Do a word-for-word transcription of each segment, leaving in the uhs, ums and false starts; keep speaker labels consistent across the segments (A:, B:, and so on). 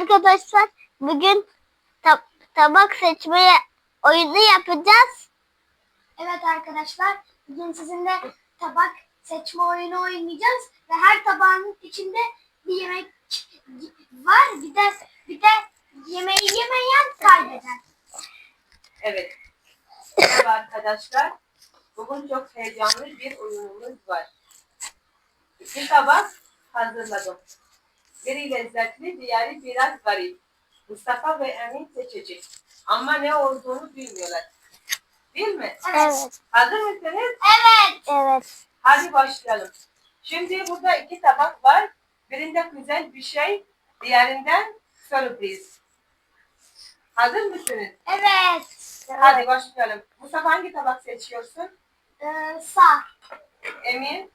A: arkadaşlar, bugün tab tabak seçmeye oyunu yapacağız.
B: Evet arkadaşlar, bugün sizinle tabak seçme oyunu oynayacağız ve her tabağın içinde bir yemek var. Bir de bir de yemeği yemeyen kaybeder.
C: Evet. Merhaba arkadaşlar. Bugün çok heyecanlı bir oyunumuz var. İki tabak hazırladım. Biri lezzetli, diğeri biraz garip. Mustafa ve Emin seçecek. Ama ne olduğunu bilmiyorlar. Değil mi?
A: Evet.
C: Hazır mısınız?
B: Evet.
A: Evet.
C: Hadi başlayalım. Şimdi burada iki tabak var. Birinde güzel bir şey, diğerinden sürpriz. Hazır mısınız?
B: Evet.
C: Hadi başlayalım. Mustafa hangi tabak seçiyorsun?
B: Ee, sağ.
C: Emin?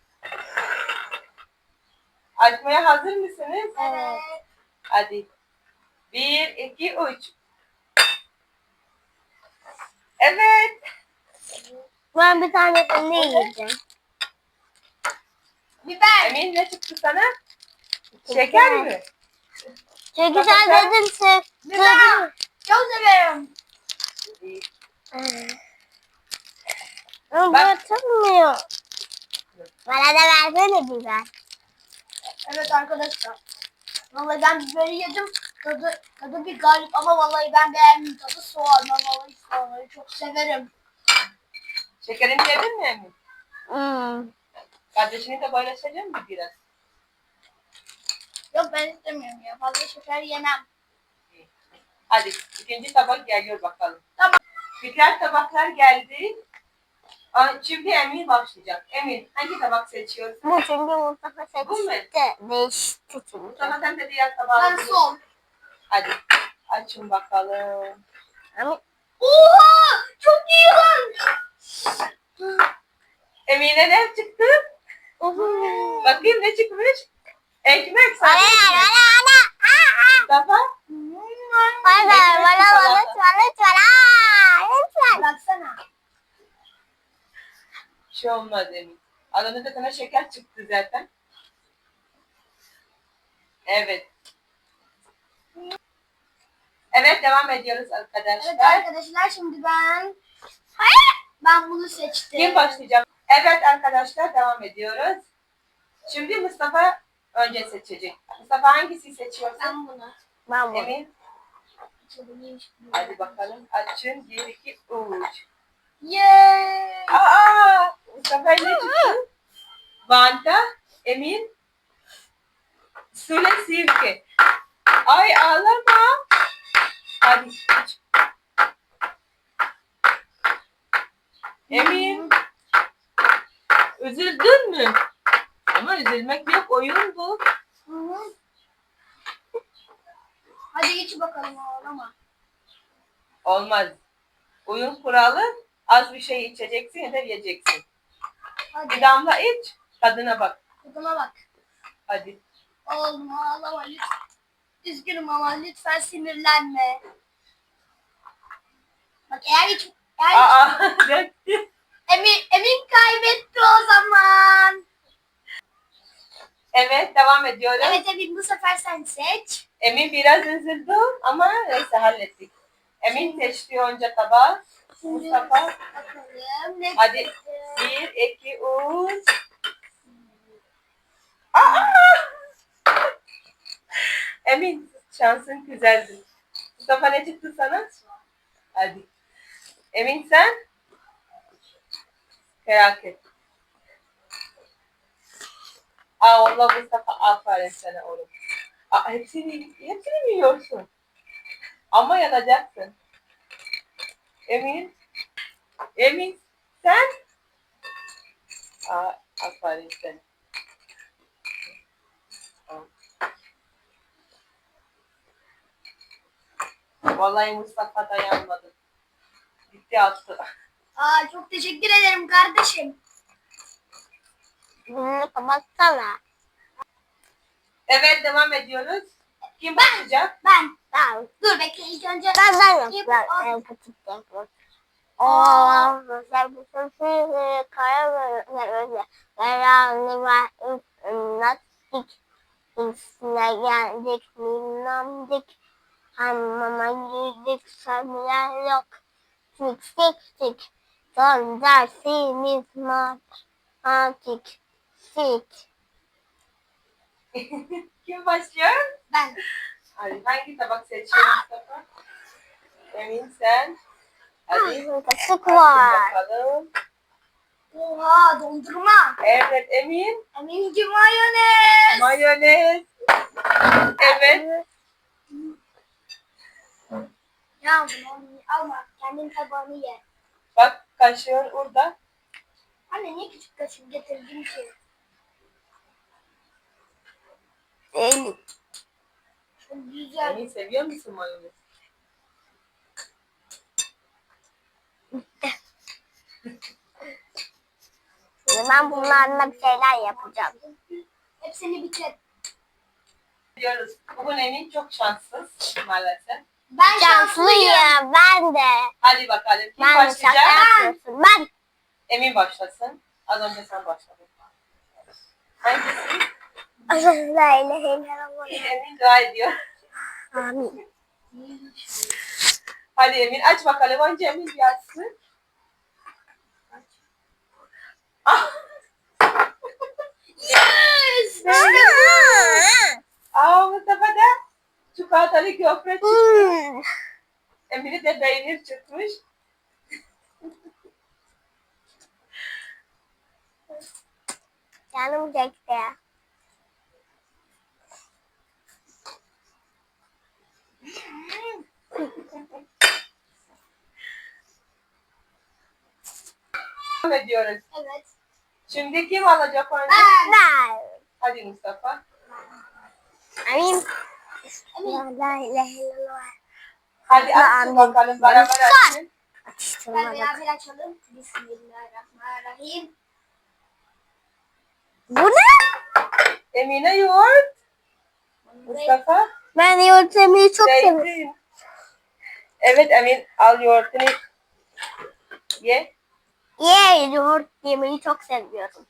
C: Açmaya hazır mısınız?
B: Evet.
C: Hadi. Bir, iki, üç. Evet.
A: Ben bir tanesini yiyeceğim.
B: Biber.
C: Emin ne çıktı sana? Şeker mi?
A: Çünkü
C: Bak,
A: sen
C: sen-
A: dedin sen.
B: Biber. Çok severim.
A: Ama bu
C: Bak.
A: atılmıyor. Bana da versene biber.
B: Evet arkadaşlar. Vallahi ben biberi yedim. Tadı, tadı bir garip ama vallahi ben beğendim. Tadı soğan. Ben vallahi soğanları çok severim.
C: Şekerini yedin mi Emin?
A: Hmm.
C: Kardeşini de paylaşacak mı biraz?
B: Yok ben istemiyorum ya. Fazla şeker yemem.
C: Hadi ikinci tabak geliyor bakalım.
B: Tamam.
C: Diğer tabaklar geldi. Aa, Şimdi Emin başlayacak. Emin hangi tabak seçiyorsun?
A: Bu çünkü Mustafa
C: Bu mu?
A: seçti. Değişti çünkü.
C: Mustafa sen de diğer tabağı
B: Ben
C: al.
B: sol.
C: Hadi açın bakalım.
A: Ama
B: Oha! Çok iyi lan.
C: Emine ne çıktı? Bakayım ne çıkmış? Ekmek
A: Bana
C: sadece
A: ver,
C: ekmek.
A: bana, bana.
C: Mustafa?
A: Bana ver, bana, bana, lütfen, lütfen. Aa, lütfen.
B: Baksana.
C: Bir şey olmaz Emin. Adamda da sana şeker çıktı zaten. Evet. Evet devam ediyoruz arkadaşlar.
B: Evet arkadaşlar şimdi ben Hayır. Ben bunu seçtim.
C: Kim başlayacak? Evet arkadaşlar devam ediyoruz. Şimdi Mustafa önce seçecek. Mustafa hangisi seçiyorsun?
B: Ben bunu.
A: Ben bu.
C: Emin. Hadi bakalım. Açın. Bir, iki, üç.
B: Yeee.
C: Aa! Mustafa ne çıktı? Vanta, Emin, Sule Sirke. Ay ağlama. Hadi iç. Emin. Üzüldün mü? Ama üzülmek yok. Oyun bu.
B: Hı hı. Hadi iç bakalım ağlama.
C: Olmaz. Oyun kuralı az bir şey içeceksin ya da yiyeceksin.
B: Hadi.
C: Bir damla iç. Tadına bak.
B: Tadına bak.
C: Hadi.
B: Oğlum ağlama lütfen. Üzgünüm ama lütfen sinirlenme. Bak eğer hiç eğer
C: Aa, döktü.
B: Emin, Emin kaybetti o zaman.
C: Evet devam ediyoruz.
B: Evet Emin bu sefer sen seç.
C: Emin biraz üzüldü ama neyse hallettik. Emin seçti önce tabağı.
B: Şimdi
C: Mustafa.
B: bakalım ne
C: Hadi.
B: çıktı?
C: Bir, iki, üç. Aa! Emin şansın güzeldi. Mustafa ne çıktı sana? Hadi. Emin sen? Felaket. Aa Allah Mustafa aferin sana oğlum. Aa, hepsini, hepsini mi yiyorsun? Ama yanacaksın. Emin? Emin sen? Aa, aferin sana. Vallahi Mustafa dayanmadı. Gitti attı.
B: Aa çok teşekkür ederim kardeşim.
A: Bunu kapatsana.
C: Evet devam ediyoruz. Kim başlayacak?
B: Ben.
A: Tamam.
B: Dur bekle ilk önce.
A: Ben ben yap.
B: Yap,
A: Ben
B: al.
A: en küçük de yapayım. Aa, sen bu sesi kara böyle böyle. Karanlık var. Nasıl? İşine geldik minnomdik. Hamama girdik sanılar yok. Tik tik tik. Son dersimiz matematik. Tik.
C: Kim başlıyor?
B: Ben.
C: Hadi hangi tabak seçiyor Mustafa? Emin sen. Hadi.
A: Ah, kaşık
C: Açın
A: var.
C: bakalım.
B: Oha dondurma.
C: Evet Emin.
B: Eminci mayonez.
C: Mayonez. Evet.
B: Ya bunu alma. Kendin tabağını ye.
C: Bak kaşığın orada.
B: Anne niye küçük kaşık getirdin ki?
A: Elim.
B: Çok güzel.
C: Emin seviyor musun mayonez?
A: Şimdi ben bunlarla bir şeyler yapacağım.
B: Hepsini bitir.
C: Diyoruz. Bugün Emin çok şanssız maalesef.
B: Ben şanslıyım.
A: Şanslıyım ben de.
C: Hadi bakalım kim
A: Ben de şaka
C: başlayacak?
A: yapıyorsun. Ben.
C: Emin başlasın. Az önce sen başladın. Hangisi?
A: La ilahe illallah.
C: Emin dua ediyor.
A: Amin.
C: Hadi Emin aç bakalım. Önce Emin bir açsın. Ah!
B: Yes.
C: Aa Mustafa da çikolatalı köfte çıktı.
A: Hmm.
C: Emin'i de peynir çıkmış.
A: Canım çekti.
C: Devam ediyoruz.
B: Evet.
C: Şimdi kim alacak önce?
B: Ben.
A: Ben.
C: Hadi Mustafa.
A: Amin.
B: Emin.
A: La ilahe illallah.
C: Hadi açsın
A: Amin.
C: bakalım. Beraber açsın.
B: Ben
A: Atıştırmadık.
B: beraber açalım. Bismillahirrahmanirrahim.
A: Bu ne?
C: Emine yoğurt. Mustafa.
A: Ben yoğurt yemeyi çok seviyorum.
C: Zeytin. Evet Emin al yoğurtunu. Ye.
A: Ye yoğurt yemeyi çok seviyorum.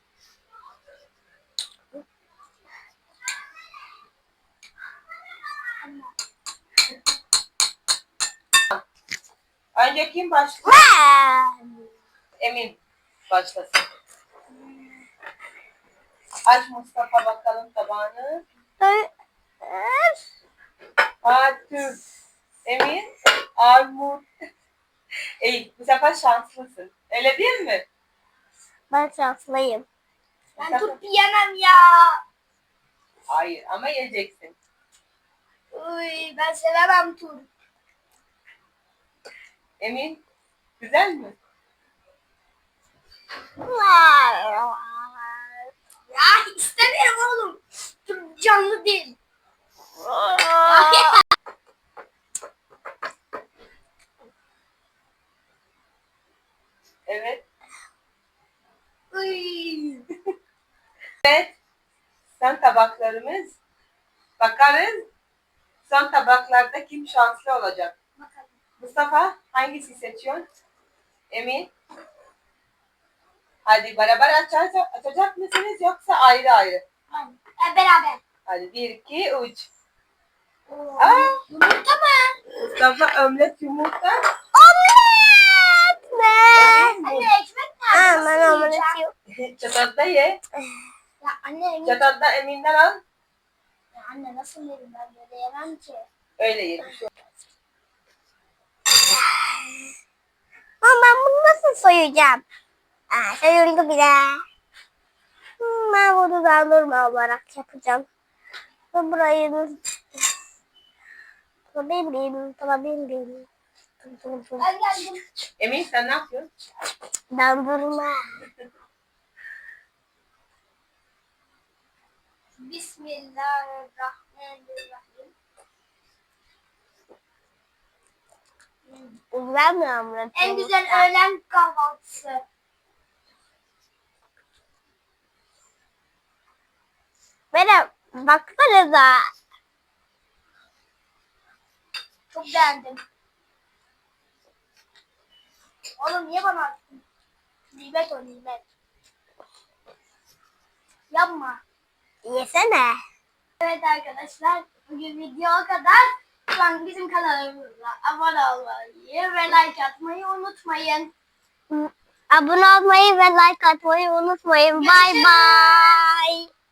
C: Önce kim başlıyor?
A: Ben.
C: Emin başlasın. Aç Mustafa bakalım tabağını. Fatih. Emin. Armut. İyi bu sefer şanslısın. Öyle değil mi?
A: Ben şanslıyım.
B: Ben turp yemem ya.
C: Hayır ama yiyeceksin.
B: Uy, ben sevemem turp.
C: Emin. Güzel mi?
B: Ya istemiyorum oğlum. Turp canlı değil.
C: Evet.
B: Uy.
C: Evet. Son tabaklarımız. Bakarız. Son tabaklarda kim şanslı olacak?
B: Bakalım.
C: Mustafa hangisi seçiyorsun? Emin. Hadi beraber açacak, açacak mısınız yoksa ayrı ayrı?
B: Hadi. E, beraber.
C: Hadi bir, iki, üç.
B: Oo.
C: Aa,
B: Yumurta mı?
C: Mustafa omlet yumurta.
A: Omlet mi?
C: Emin bu.
B: Anne ekmek nerede?
A: Aman
B: Nasıl
A: omlet
B: yiyeceğim?
A: yok.
C: Çatatta ye.
B: Ya anne emin.
C: Çatatta Emin'den al.
B: Ya anne nasıl yerim ben böyle yemem ki.
C: Öyle ye. Bir şey olmaz.
A: Ama ben bunu nasıl soyacağım? Aa, soyuldu bile. Hmm, ben bunu dondurma olarak yapacağım. Ve burayı tutabildim, tutabildim.
B: Ben geldim.
C: Emin sen ne yapıyorsun?
A: Dondurma.
B: Bismillahirrahmanirrahim.
A: Güzel mi omlet?
B: En güzel öğlen kahvaltısı.
A: Merhaba, baksanıza.
B: Çok beğendim. Oğlum niye bana attın? Nimet o nimet. Yapma.
A: Yesene.
B: Evet arkadaşlar, bugün video o kadar. Şu an bizim kanalımıza abone olmayı ve like atmayı unutmayın.
A: Abone olmayı ve like atmayı unutmayın. Bye
B: Görüşürüz.
A: bye.